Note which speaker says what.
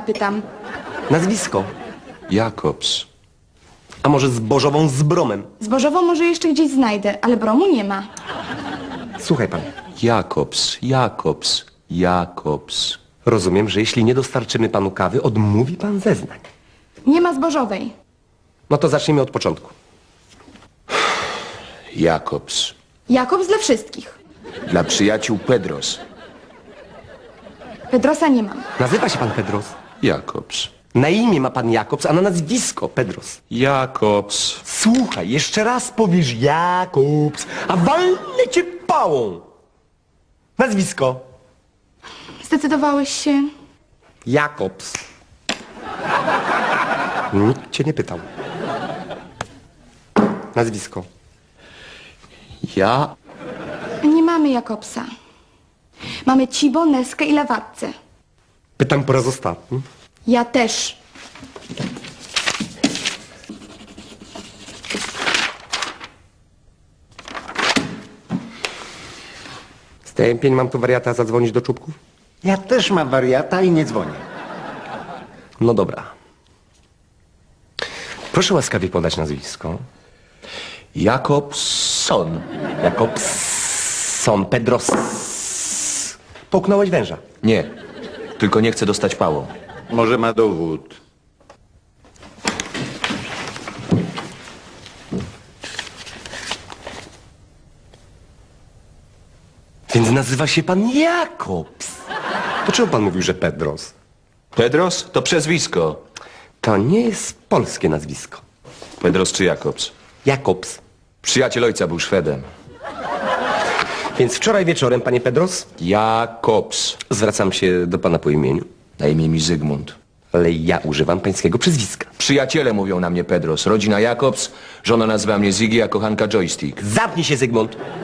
Speaker 1: pytam.
Speaker 2: Nazwisko.
Speaker 3: Jakobs.
Speaker 2: A może zbożową z bromem?
Speaker 1: Zbożową może jeszcze gdzieś znajdę, ale bromu nie ma.
Speaker 2: Słuchaj pan,
Speaker 3: Jakobs.
Speaker 2: rozumiem, że jeśli nie dostarczymy panu kawy, odmówi pan zeznań.
Speaker 1: Nie ma zbożowej.
Speaker 2: No to zacznijmy od początku.
Speaker 3: Jakobs.
Speaker 1: Jakobs dla wszystkich.
Speaker 3: Dla przyjaciół Pedros.
Speaker 1: Pedrosa nie mam.
Speaker 2: Nazywa się pan Pedros.
Speaker 3: Jakobs.
Speaker 2: Na imię ma pan Jakobs, a na nazwisko Pedros.
Speaker 3: Jakobs.
Speaker 2: Słuchaj, jeszcze raz powiesz Jakobs, a walnę cię pałą. Nazwisko.
Speaker 1: Zdecydowałeś się?
Speaker 2: Jakobs. Nikt cię nie pytał. Nazwisko.
Speaker 3: Ja...
Speaker 1: Nie mamy Jakobsa. Mamy Cibo, Neskę i Lewatce.
Speaker 2: Pytam po raz ostatni.
Speaker 1: Ja też.
Speaker 2: Stępień, mam tu wariata zadzwonić do czubków?
Speaker 4: Ja też mam wariata i nie dzwonię.
Speaker 2: No dobra. Proszę łaskawie podać nazwisko.
Speaker 3: Jakobson.
Speaker 2: Jakobson, Pedros. Połknąłeś węża.
Speaker 3: Nie. Tylko nie chcę dostać pałą.
Speaker 4: Może ma dowód.
Speaker 2: Więc nazywa się pan Jakobs. To czemu pan mówił, że Pedros?
Speaker 3: Pedros to przezwisko.
Speaker 2: To nie jest polskie nazwisko.
Speaker 3: Pedros czy Jakobs?
Speaker 2: Jakobs.
Speaker 3: Przyjaciel ojca był Szwedem.
Speaker 2: Więc wczoraj wieczorem, panie Pedros,
Speaker 3: Jakobs.
Speaker 2: zwracam się do pana po imieniu,
Speaker 3: Na imię mi Zygmunt.
Speaker 2: ale ja używam pańskiego przezwiska.
Speaker 3: Przyjaciele mówią na mnie Pedros. Rodzina Jakobs, żona nazywa mnie Ziggy, a kochanka Joystick.
Speaker 2: Zamknij się, Zygmunt.